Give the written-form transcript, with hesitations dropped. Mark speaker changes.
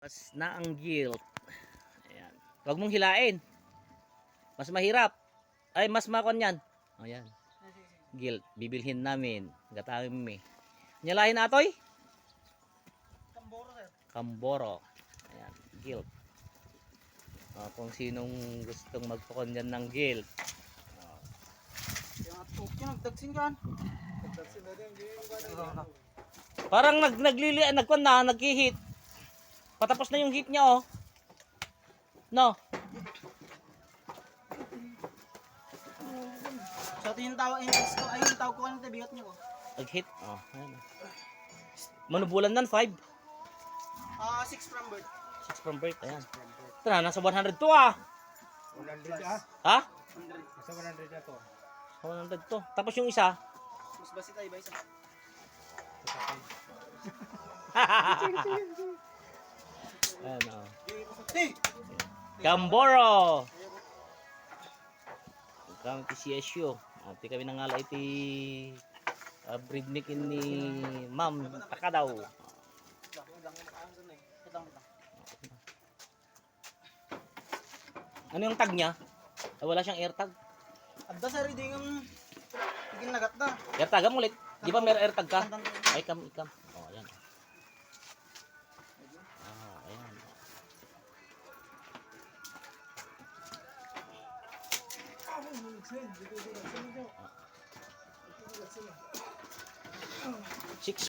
Speaker 1: Taas na ang gilt. Ayan. Huwag mong hilain. Mas mahirap. Ay, mas makon yan. Ayan. Gilt. Bibilhin namin. Gatawin mo eh. Nyalahin atoy?
Speaker 2: Kamboro, sir.
Speaker 1: Kamboro. Ayan. Gilt. Kung sinong gustong magpakon yan ng gilt.
Speaker 2: Yung nagdagsin kan. Nagdagsin na din.
Speaker 1: Parang nagkon na, nag-hit. Patapos na yung hit niya oh. No.
Speaker 2: So ito yung tawag yung tawag ko kanina bigat niyo ko.
Speaker 1: Nag-hit. Oh, ayan. Manubulan nan 5.
Speaker 2: 6 from birth.
Speaker 1: 6 from birth. Ayan. Ito na, nasa 100 to ah.
Speaker 3: 100 ah.
Speaker 1: Ha?
Speaker 2: 100.
Speaker 3: Nasa 100 na to.
Speaker 1: 100 to. Tapos yung isa.
Speaker 2: Mas basi tayo ba isa?
Speaker 1: Ayan oh.
Speaker 2: Hey!
Speaker 1: Kamboro. Kami ti CSU. Ati kami nangalay ti breednikin ni Ma'am Takadaw. Ano yung tag niya? Wala siyang air tag.
Speaker 2: Adda sa reading ang tigil nagat na.
Speaker 1: Air tag mo ulit. Di ba may air tag ka? Ay ikam. Oh, ayan. Ayan. 6